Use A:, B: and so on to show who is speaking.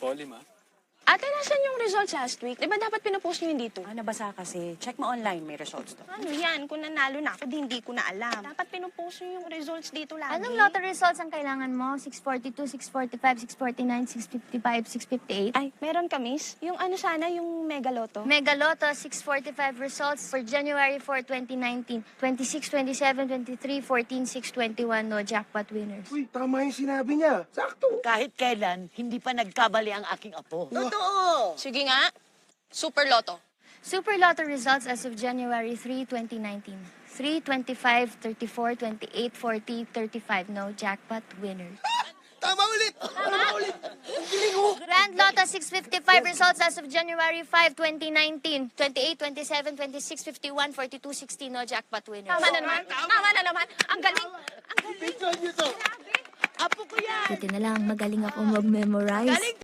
A: Polly, ma.
B: Ate, nasan yung results last week? Di ba dapat pinupost nyo yun dito?
C: Nabasa kasi. Check mo online, may results to.
B: Ano yan? Kung nanalo na ako, hindi ko na alam. Dapat pinupost nyo yung results dito lagi.
D: Anong lotto results ang kailangan mo? 642, 645, 649, 655, 658?
B: Ay, meron ka, miss? Yung ano sana, yung Mega Lotto?
D: Mega Lotto, 645 results for January 4, 2019. 26, 27, 23, 14, 6, 21, no jackpot winners.
E: Uy, tama yung sinabi niya. Sakto.
F: Kahit kailan, hindi pa nagkabali ang aking apo.
B: Sige nga. Super Lotto.
D: Super Lotto results as of January 3, 2019. 3, 25, 34, 28, 40, 35, no jackpot winners.
E: Tama ulit. Tama ulit.
D: Grand Lotto 655 results as of January 5, 2019. 28, 27, 26, 51, 42, 60, no jackpot winners.
B: Tama na naman. Tama na naman. Ang galing. Ang galing.
E: Tingnan niyo to.
F: Apo ko yan!
D: Buti na lang, magaling ako mag-memorize.